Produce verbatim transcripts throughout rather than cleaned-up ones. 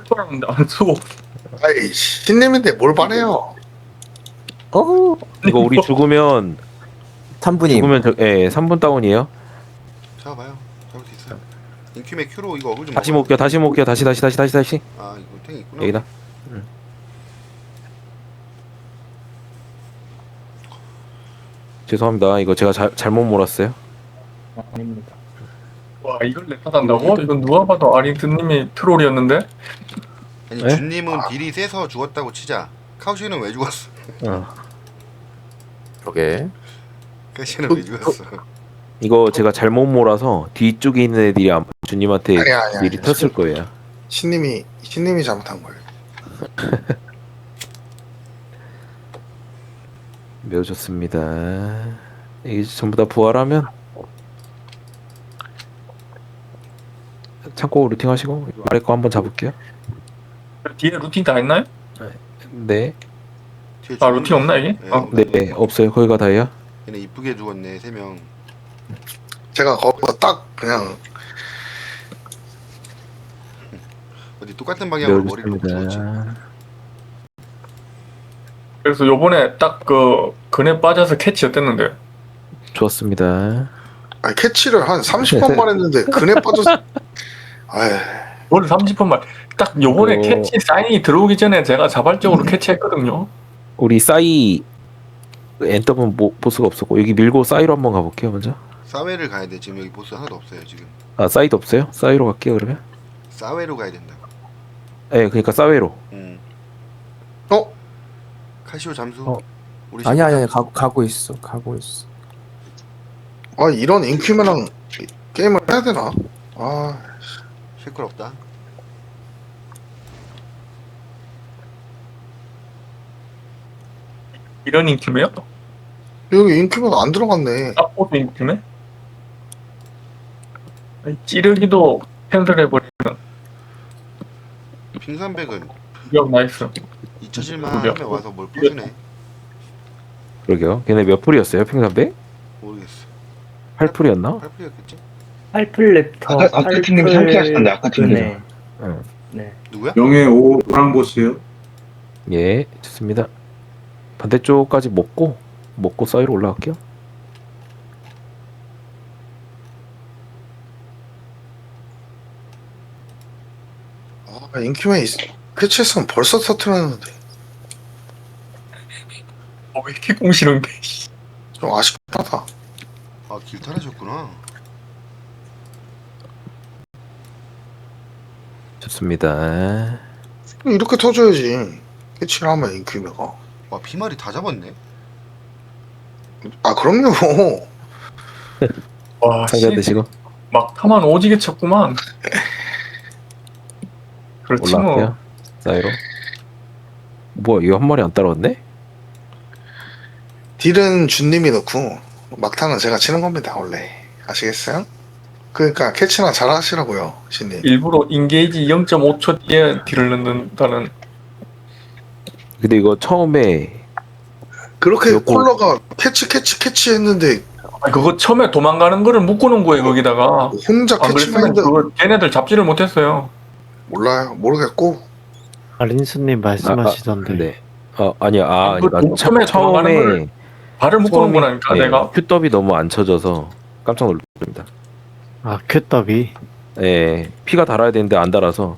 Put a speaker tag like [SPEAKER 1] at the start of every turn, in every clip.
[SPEAKER 1] 팔았는데 안 쓰고.
[SPEAKER 2] 아이 신님인데 뭘 바래요?
[SPEAKER 3] 어
[SPEAKER 4] 이거 우리 죽으면
[SPEAKER 3] 삼 분임.
[SPEAKER 4] 죽으면 저, 예, 삼 분 다운이에요.
[SPEAKER 5] 잡아봐요. 잡을 수 있어요. 인큐메 큐로 이거 어글 좀
[SPEAKER 4] 다시
[SPEAKER 5] 먹어야
[SPEAKER 4] 못겨, 다시 못겨, 다시 다시 다시 다시 다시.
[SPEAKER 5] 돼. 아 이거 탱이 있구나.
[SPEAKER 4] 여기다. 응. 죄송합니다. 이거 제가 자, 잘못 몰았어요.
[SPEAKER 1] 아닙니다. 와 이걸 랩하단다고? 이건 누가 봐도 아린트님이 트롤이었는데?
[SPEAKER 5] 아니
[SPEAKER 4] 네?
[SPEAKER 5] 준님은 딜이 세서 죽었다고 치자. 카우시는 왜 죽었어?
[SPEAKER 4] 어.
[SPEAKER 3] 그러게.
[SPEAKER 5] 카우시는
[SPEAKER 2] 그,
[SPEAKER 5] 왜 죽었어?
[SPEAKER 4] 이거 제가 잘못 몰아서 뒤쪽에 있는 애들이 아마 주님한테
[SPEAKER 2] 아니야, 아니야,
[SPEAKER 4] 미리
[SPEAKER 2] 아니야.
[SPEAKER 4] 텄을 거예요.
[SPEAKER 2] 신님이 신님이 잘못한 거예요.
[SPEAKER 4] 매우 좋습니다. 이게 전부 다 부활하면 참고 루팅하시고 아래 거 한번 잡을게요.
[SPEAKER 1] 뒤에 루틴 다 했나요?
[SPEAKER 4] 네,
[SPEAKER 5] 뒤에
[SPEAKER 1] 아
[SPEAKER 5] 죽은
[SPEAKER 1] 루틴 없나 이게?
[SPEAKER 5] 네,
[SPEAKER 1] 어.
[SPEAKER 4] 네, 네 없어요. 거기가 다예요.
[SPEAKER 5] 얘네 이쁘게 죽었네 세 명.
[SPEAKER 2] 제가 거기서 딱 그냥
[SPEAKER 5] 어디 똑같은
[SPEAKER 4] 매우
[SPEAKER 5] 방향으로 머리를 놓고 죽었지.
[SPEAKER 4] 좋습니다.
[SPEAKER 1] 그래서 요번에 딱 그 근에 빠져서 캐치 어땠는데?
[SPEAKER 4] 좋았습니다.
[SPEAKER 2] 아니, 캐치를 한 삼십 번만 했는데 그네 빠져서 아이
[SPEAKER 1] 뭘 삼십 분만 딱 요번에
[SPEAKER 4] 그거-
[SPEAKER 1] 캐치 사인이 들어오기 전에 제가 자발적으로 캐치했거든요.
[SPEAKER 4] 우리 싸이 엔더분 뭐, 보스가 없었고 여기 밀고 싸이로 한번 가볼게요 먼저.
[SPEAKER 5] 사웨를 가야 돼. 지금 여기 보스 하나도 없어요 지금.
[SPEAKER 4] 아 싸이도 없어요? 싸이로 갈게요 그러면.
[SPEAKER 5] 사웨로 가야 된다.
[SPEAKER 4] 네, 그러니까 싸웨로.
[SPEAKER 5] 음.
[SPEAKER 2] 어?
[SPEAKER 5] 카시오 잠수.
[SPEAKER 4] 어.
[SPEAKER 5] 우리
[SPEAKER 3] 아니
[SPEAKER 5] 지금
[SPEAKER 3] 아니 아니 가고 가고 있어. 가고 있어.
[SPEAKER 2] 아 이런 인큐맨랑 게임을 해야 되나? 아
[SPEAKER 5] 쉐클 없다.
[SPEAKER 1] 이런 인큐메요?
[SPEAKER 2] 여기 인큐맨 안 들어갔네.
[SPEAKER 1] 딱보도 인큐메? 아니, 찌르기도 캔슬해버리는
[SPEAKER 5] 핑삼백은
[SPEAKER 1] 기억 나이스.
[SPEAKER 5] 잊혀질만
[SPEAKER 1] 그러게요.
[SPEAKER 5] 하면 와서 뭘 퍼주네.
[SPEAKER 4] 그러게요. 걔네 몇 풀이었어요? 핑삼백?
[SPEAKER 5] 모르겠어.
[SPEAKER 4] 팔 풀이었나?
[SPEAKER 5] 팔 풀이었겠지?
[SPEAKER 6] 팔플랩터
[SPEAKER 7] 아까- 아까 팀님이 상쾌하시던데, 아까 팀님이.
[SPEAKER 6] 네.
[SPEAKER 4] 응.
[SPEAKER 6] 네.
[SPEAKER 5] 누구야?
[SPEAKER 7] 명예 오랑 보스요?
[SPEAKER 4] 예, 좋습니다. 반대쪽까지 먹고 먹고 싸이로 올라갈게요.
[SPEAKER 2] 아 인큐맨 있... 캐치했으면 벌써 터트렸는데
[SPEAKER 1] 어, 왜 이렇게 공시는데?
[SPEAKER 2] 좀 아쉽다.
[SPEAKER 5] 아 길탈하셨구나.
[SPEAKER 4] 좋습니다.
[SPEAKER 2] 이렇게 터져야지. 캐치를 하면 인큐맨가.
[SPEAKER 5] 와 피말이 다 잡았네.
[SPEAKER 2] 아 그럼요.
[SPEAKER 1] 와,
[SPEAKER 4] 상자
[SPEAKER 1] 씨,
[SPEAKER 4] 드시고
[SPEAKER 1] 막 타만 오지게 쳤구만. 그렇지
[SPEAKER 4] 올라갈게요.
[SPEAKER 1] 뭐.
[SPEAKER 4] 싸이로. 뭐야 이거 한 마리 안 따라왔네?
[SPEAKER 2] 딜은 준님이 넣고 막타는 제가 치는 겁니다 원래. 아시겠어요? 그러니까 캐치나 잘 하시라고요 신님.
[SPEAKER 1] 일부러 인게이지 영 점 오 초 뒤에 딜을 넣는다는.
[SPEAKER 4] 근데 이거 처음에
[SPEAKER 2] 그렇게
[SPEAKER 4] 요거-
[SPEAKER 2] 콜러가 캐치 캐치 캐치 했는데
[SPEAKER 1] 아, 그거 처음에 도망가는 거를 묶어놓은 거예요 거기다가.
[SPEAKER 2] 혼자
[SPEAKER 1] 안
[SPEAKER 2] 캐치
[SPEAKER 1] 그랬으면
[SPEAKER 2] 마인드
[SPEAKER 1] 그거 걔네들 잡지를 못했어요.
[SPEAKER 2] 몰라요. 모르겠고
[SPEAKER 6] 아린스님 말씀하시던데.
[SPEAKER 4] 네. 아 아니야. 아
[SPEAKER 1] 그
[SPEAKER 4] 아니,
[SPEAKER 1] 처음에
[SPEAKER 4] 처,
[SPEAKER 1] 도망가는
[SPEAKER 4] 처음에
[SPEAKER 1] 거를 발을 묶어놓은 거라니까 내가.
[SPEAKER 4] 큐더비 너무 안 쳐져서 깜짝 놀랐습니다.
[SPEAKER 6] 아 큐더비.
[SPEAKER 4] 예, 피가 달아야 되는데 안 달아서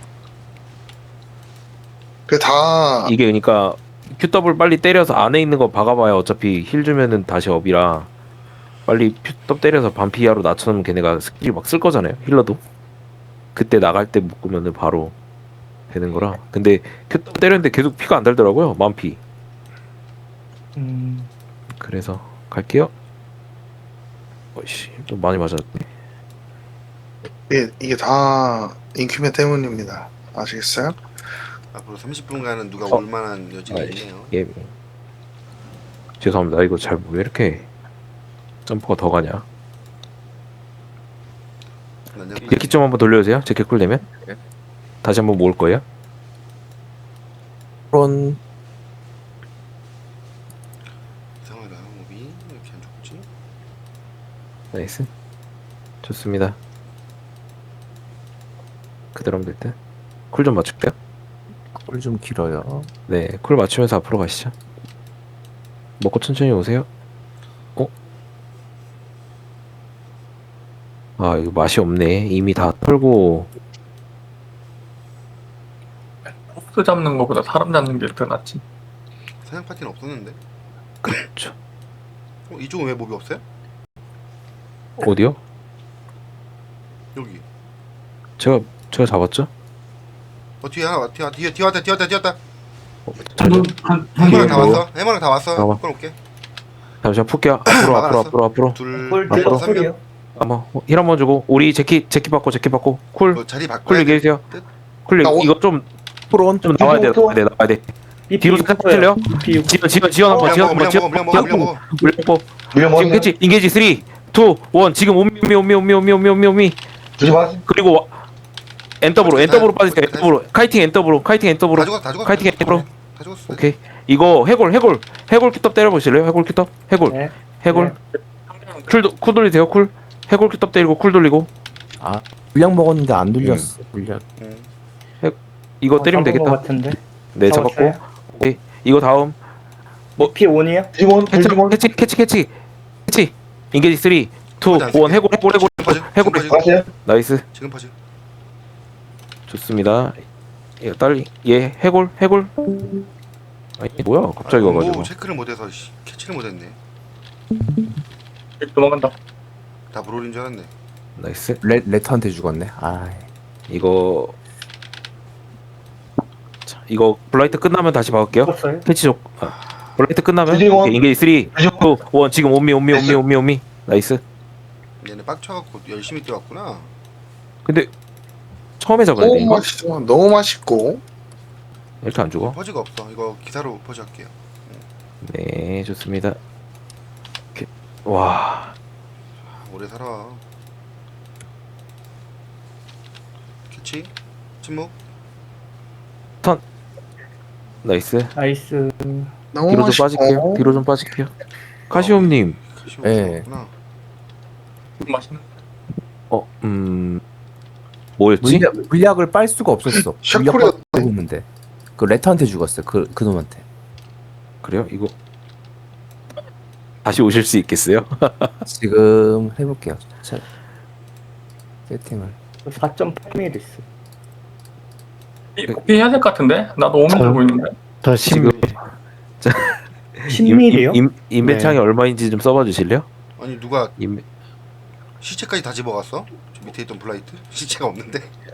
[SPEAKER 2] 그다
[SPEAKER 4] 이게 그러니까 큐더블 빨리 때려서 안에 있는 거 박아봐야 어차피 힐 주면은 다시 업이라 빨리 큐더 때려서 반피하로 낮춰놓으면 걔네가 스킬 막 쓸 거잖아요. 힐러도 그때 나갈 때 묶으면은 바로 되는 거라. 근데 큐더 때렸는데 계속 피가 안 달더라고요. 만피.
[SPEAKER 6] 음.
[SPEAKER 4] 그래서 갈게요. 어이씨, 좀 많이 맞았네.
[SPEAKER 2] 이게, 이게 다 인큐맨 때문입니다. 아시겠어요?
[SPEAKER 5] 앞으로 삼십 분간은 누가
[SPEAKER 4] 어.
[SPEAKER 5] 올 만한 여지가
[SPEAKER 4] 아이씨.
[SPEAKER 5] 있네요.
[SPEAKER 4] 예. 죄송합니다. 이거 잘 왜 이렇게 점프가 더 가냐?
[SPEAKER 5] 난장
[SPEAKER 4] 제키 좀 한번 돌려주세요. 제키 쿨 되면 다시 한번 모을 거예요.
[SPEAKER 3] 그런
[SPEAKER 5] 이상하다. 몹이 왜 이렇게 안 죽지?
[SPEAKER 4] 나이스. 좋습니다. 그대로 하면 될 듯. 쿨 좀 맞출게요.
[SPEAKER 3] 꿀 좀 길어요.
[SPEAKER 4] 네, 쿨 맞추면서 앞으로 가시죠. 먹고 천천히 오세요. 어? 아, 이거 맛이 없네. 이미 다 털고.
[SPEAKER 1] 포스 잡는 거보다 사람 잡는 게 더 낫지.
[SPEAKER 5] 사냥 파티는 없었는데.
[SPEAKER 4] 그렇죠.
[SPEAKER 5] 어, 이쪽은 왜 몹이 없어요?
[SPEAKER 4] 어디요?
[SPEAKER 5] 여기.
[SPEAKER 4] 제가 제가 잡았죠?
[SPEAKER 5] 어 뒤에 하나 뒤에 뒤에 뒤에 왔다 뒤에 왔다 뒤에 왔다.
[SPEAKER 4] 잠시,
[SPEAKER 7] 한,
[SPEAKER 5] 해머랑 다
[SPEAKER 7] 한
[SPEAKER 5] 왔어. 해머랑 다 왔어.
[SPEAKER 4] 잠깐만.
[SPEAKER 5] 끌어올게.
[SPEAKER 4] 잠시만 풀게요. 앞으로 앞으로
[SPEAKER 5] 막아놨어.
[SPEAKER 4] 앞으로 앞으로.
[SPEAKER 5] 둘.
[SPEAKER 8] 꿀
[SPEAKER 5] 넷,
[SPEAKER 4] 앞으로.
[SPEAKER 5] 다섯 명.
[SPEAKER 4] 한번 힐 한번 주고 우리 제키 제키 받고 제키 받고 쿨.
[SPEAKER 5] 뭐 자리
[SPEAKER 4] 쿨
[SPEAKER 5] 바꿔야 돼.
[SPEAKER 4] 얘기해주세요. 쿨
[SPEAKER 2] 나 오-
[SPEAKER 4] 이거 좀 좀
[SPEAKER 3] 프론
[SPEAKER 4] 나와야 돼 나와야 돼 나와야 돼. 뒤로 살짝 틀려.
[SPEAKER 8] 비
[SPEAKER 4] 지원 지원 지원 한번
[SPEAKER 5] 물량
[SPEAKER 4] 지원
[SPEAKER 5] 먹어
[SPEAKER 4] 한번
[SPEAKER 5] 물량 먹어
[SPEAKER 4] 지원
[SPEAKER 5] 물량 먹어 물량 먹어.
[SPEAKER 4] 물량 먹어. 지금 캐치 인게이지 삼, 이, 일 지금 오미 오미 오미 오미 오미 오미 오미 오미
[SPEAKER 7] 주지 마세요.
[SPEAKER 4] 그리고 와- 엔더브로 엔더브로 빠지세요. 엔더브로 카이팅 엔더브로 카이팅
[SPEAKER 5] 다
[SPEAKER 4] 엔더브로
[SPEAKER 5] 죽었어 다 죽었어.
[SPEAKER 4] 카이팅 엔더브로.
[SPEAKER 5] 다 죽었어.
[SPEAKER 4] 오케이 이거 해골 해골 해골 큐떡 때려보실래요? 해골 큐떡 해골
[SPEAKER 8] 네.
[SPEAKER 4] 해골 쿨, 쿨 돌리세요 쿨 해골 큐떡 때리고 쿨 돌리고
[SPEAKER 3] 물량 먹었는데 안 돌렸어. 물량.
[SPEAKER 5] 응.
[SPEAKER 4] 이거 때리면
[SPEAKER 8] 것
[SPEAKER 4] 되겠다.
[SPEAKER 8] 같은데.
[SPEAKER 4] 네 잡았고 오케이 이거 다음 뭐-
[SPEAKER 8] 피 원이요?
[SPEAKER 7] 디몬,
[SPEAKER 4] 캐치
[SPEAKER 7] 디몬.
[SPEAKER 4] 캐치 캐치 캐치 캐치 인게이지 삼, 이, 일 해골 해골 해골 해골
[SPEAKER 5] 퍼즐.
[SPEAKER 4] 해골
[SPEAKER 5] 지금 퍼즐.
[SPEAKER 7] 마세요.
[SPEAKER 4] 나이스
[SPEAKER 5] 지금 퍼즐.
[SPEAKER 4] 좋습니다. 이거 딸리 얘 해골 해골 아니 뭐야 갑자기
[SPEAKER 5] 아,
[SPEAKER 4] 와가지고
[SPEAKER 5] 뭐 체크를 못해서 씨, 캐치를 못했네.
[SPEAKER 1] 도망간다.
[SPEAKER 5] 다 브롤인 줄 알았네.
[SPEAKER 4] 나이스
[SPEAKER 3] 레 레터한테 죽었네. 아,
[SPEAKER 4] 이거 자 이거 블라이트 끝나면 다시 박을게요.
[SPEAKER 8] 죽었어요?
[SPEAKER 4] 캐치 쪽 아, 블라이트 끝나면
[SPEAKER 7] 주지원.
[SPEAKER 4] 오케이, 인게이지 삼, 이, 일 지금 온미 온미 온미 온미 온미 나이스.
[SPEAKER 5] 얘네 빡쳐갖고 열심히 뛰어왔구나.
[SPEAKER 4] 근데 처음에 잡아야 돼
[SPEAKER 2] 너무
[SPEAKER 4] 이거
[SPEAKER 2] 맛있어. 너무 맛있고.
[SPEAKER 4] 이렇게 안 죽어.
[SPEAKER 5] 퍼즐가 없어. 이거 기사로 퍼즐 할게요.
[SPEAKER 4] 네 좋습니다. 이렇게. 와
[SPEAKER 5] 아, 오래 살아. 캐치. 침묵.
[SPEAKER 4] 나이스.
[SPEAKER 8] 나이스.
[SPEAKER 2] 너무
[SPEAKER 4] 뒤로 좀
[SPEAKER 2] 맛있고.
[SPEAKER 4] 빠질게요. 뒤로 좀 빠질게요. 카시옴님
[SPEAKER 3] 예.
[SPEAKER 5] 구나
[SPEAKER 1] 맛있는.
[SPEAKER 4] 어음 뭐였지?
[SPEAKER 3] 물약 물약을 빨 수가 없었어.
[SPEAKER 2] 샤코리
[SPEAKER 3] 물약
[SPEAKER 2] 같아.
[SPEAKER 3] 빨고 있는데 그 레터한테 죽었어요. 그 그놈한테.
[SPEAKER 4] 그래요? 이거 다시 오실 수 있겠어요?
[SPEAKER 3] 지금 해볼게요. 자, 세팅을.
[SPEAKER 8] 사 점 팔 밀 있어.
[SPEAKER 1] 코피 해야 될 것 같은데? 나도 오면 들고 있는데.
[SPEAKER 6] 더
[SPEAKER 4] 지금
[SPEAKER 6] 십
[SPEAKER 8] 십 밀이요?
[SPEAKER 4] 임, 인벤창이
[SPEAKER 6] 네.
[SPEAKER 4] 얼마인지 좀 써봐 주실래요?
[SPEAKER 5] 아니 누가
[SPEAKER 4] 임,
[SPEAKER 5] 시체까지 다 집어갔어? 저 밑에 있던 블라이트? 시체가 없는데?